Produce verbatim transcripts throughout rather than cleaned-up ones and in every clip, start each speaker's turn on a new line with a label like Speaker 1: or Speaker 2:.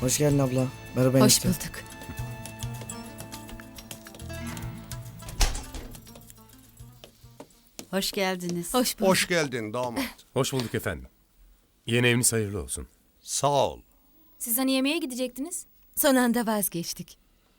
Speaker 1: Hoş geldin abla. Merhaba
Speaker 2: Hoş
Speaker 1: enişte.
Speaker 2: bulduk.
Speaker 3: Hoş geldiniz.
Speaker 2: Hoş bulduk.
Speaker 4: Hoş geldin damat.
Speaker 5: Hoş bulduk efendim. Yeni eviniz hayırlı olsun.
Speaker 4: Sağ ol.
Speaker 6: Siz hani yemeğe gidecektiniz?
Speaker 2: Son anda vazgeçtik.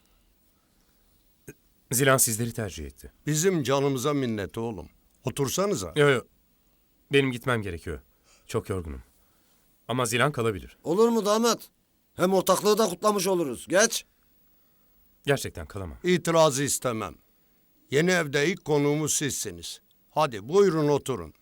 Speaker 5: Zilan sizleri tercih etti.
Speaker 4: Bizim canımıza minnet oğlum. Otursanıza.
Speaker 5: Yok yok. Benim gitmem gerekiyor. Çok yorgunum. Ama Zilan kalabilir.
Speaker 7: Olur mu damat? Hem ortaklığı da kutlamış oluruz. Geç.
Speaker 5: Gerçekten kalamam.
Speaker 4: İtirazı istemem. Yeni evde ilk konuğumuz sizsiniz. Hadi buyurun oturun.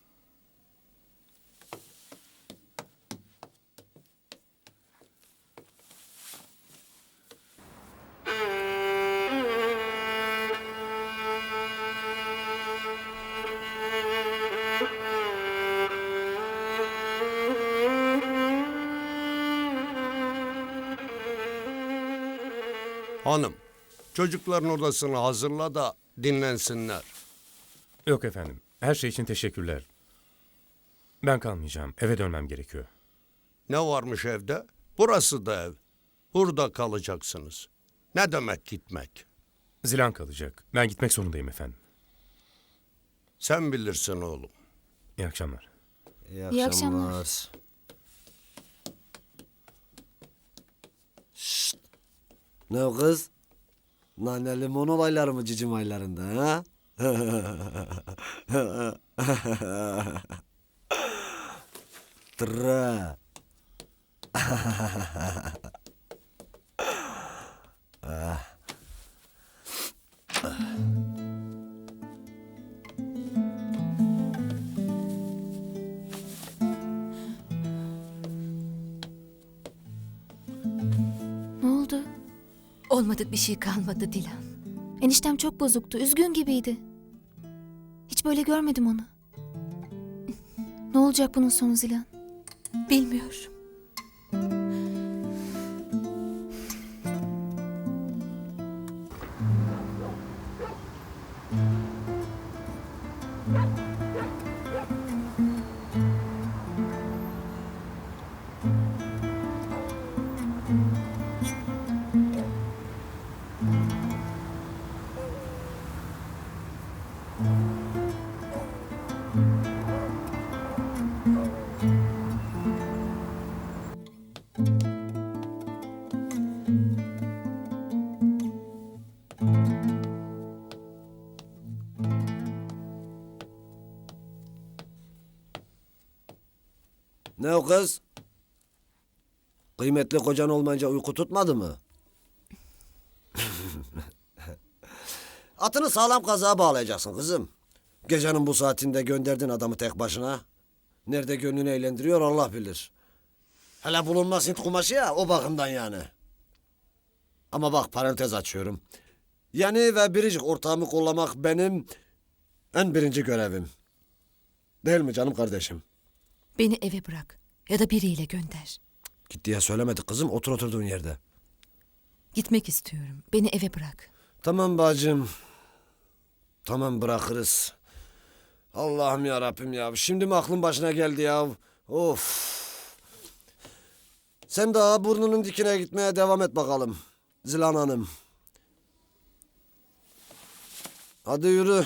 Speaker 4: Hanım, çocukların odasını hazırla da dinlensinler.
Speaker 5: Yok efendim. Her şey için teşekkürler. Ben kalmayacağım. Eve dönmem gerekiyor.
Speaker 4: Ne varmış evde? Burası da ev. Burada kalacaksınız. Ne demek gitmek?
Speaker 5: Zilan kalacak. Ben gitmek zorundayım efendim.
Speaker 4: Sen bilirsin oğlum.
Speaker 5: İyi akşamlar.
Speaker 7: İyi
Speaker 6: İyi akşamlar.
Speaker 7: Şşt. Ne o kız? Nane limon olayları mı cicim aylarında ha? Tıra.
Speaker 6: Ne oldu?
Speaker 2: Olmadık bir şey kalmadı Dilan.
Speaker 6: Eniştem çok bozuktu. Üzgün gibiydi. Hiç böyle görmedim onu. Ne olacak bunun sonu Zilan?
Speaker 2: Bilmiyorum.
Speaker 7: Ne o kız? Kıymetli kocan olmayınca uyku tutmadı mı? Atını sağlam kazığa bağlayacaksın kızım. Gecenin bu saatinde gönderdin adamı tek başına. Nerede gönlünü eğlendiriyor Allah bilir. Hele bulunmaz Hint kumaşı ya, o bakımdan yani. Ama bak, parantez açıyorum. Yeni ve biricik ortağımı kollamak benim en birinci görevim. Değil mi canım kardeşim?
Speaker 2: Beni eve bırak. Ya da biriyle gönder.
Speaker 7: Git diye söylemedik kızım, otur oturduğun yerde.
Speaker 2: Gitmek istiyorum. Beni eve bırak.
Speaker 7: Tamam bacım. Tamam, bırakırız. Allah'ım ya Rabbim ya. Şimdi mi aklın başına geldi ya? Of. Sen daha burnunun dikine gitmeye devam et bakalım. Zilan Hanım. Hadi yürü.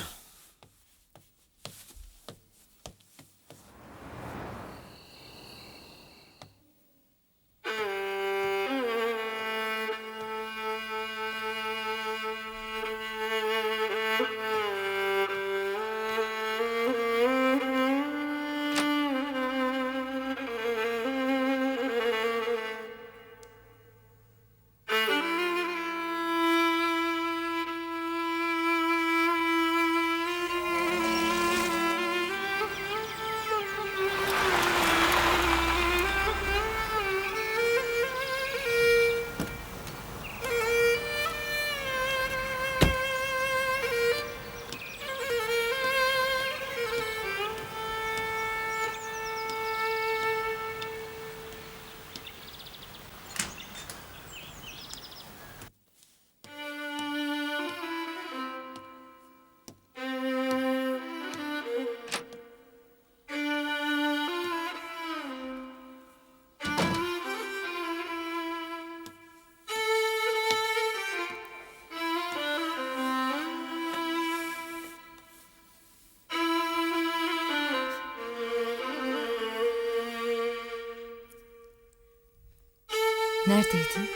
Speaker 2: Neredeydin?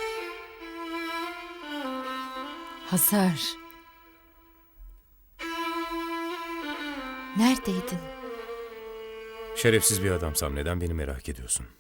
Speaker 2: Hazar. Neredeydin?
Speaker 5: Şerefsiz bir adamsam neden beni merak ediyorsun?